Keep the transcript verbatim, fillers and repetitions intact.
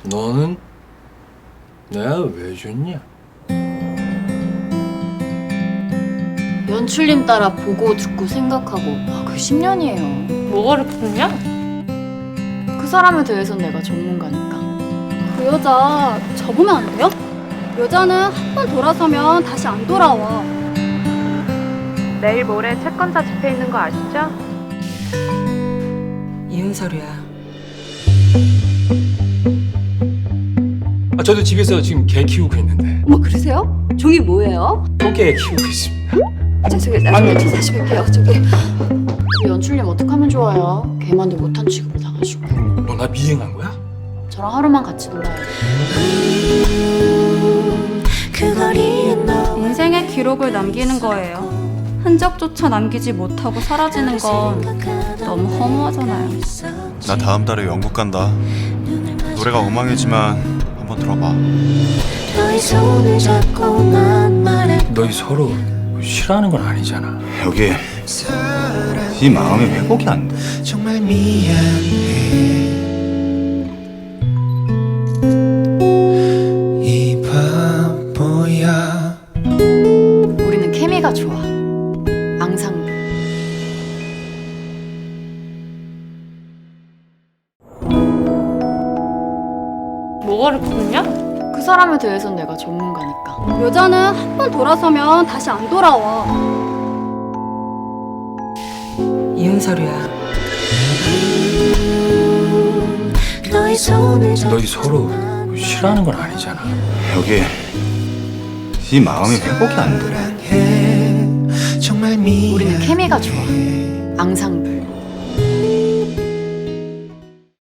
너는 내가 왜 좋냐? 연출님 따라 보고 듣고 생각하고 아, 그 십 년이에요. 뭐가 그렇게 좋냐? 그 사람에 대해선 내가 전문가니까. 그 여자 접으면 안 돼요? 여자는 한 번 돌아서면 다시 안 돌아와. 내일 모레 채권자 집회 있는 거 아시죠? 이혼 서류야. 아, 저도 집에서 지금 개 키우고 있는데 뭐 그러세요? 종이 뭐예요? 똥개 키우고 있습니다. 죄송해요. 나중에 저 다시 뵐게요. 저기. 그 연출님 어떡하면 좋아요? 걔만도 못한 취급을 당하시고. 너 나 미행한 거야? 저랑 하루만 같이 놀아요. 인생의 기록을 남기는 거예요. 흔적조차 남기지 못하고 사라지는 건 너무 허무하잖아요. 나 다음 달에 영국 간다. 노래가 엉망이지만 한번 들어봐. 너희 서로 싫어하는 건 아니잖아. 여기 이 마음이 회복이 안 돼. 정말 미안해 이 바보야. 우리는 케미가 좋아. 앙상블. 뭐가 그렇게 좋냐? 그 사람에 대해선 내가 전문가니까. 여자는 한 번 돌아서면 다시 안 돌아와. 이혼 서류야. 너희 서로 싫어하는 건 아니잖아. 여기 이 마음이 회복이 안 돼. 정말 미안해 우리는 케미가 좋아. 앙상블.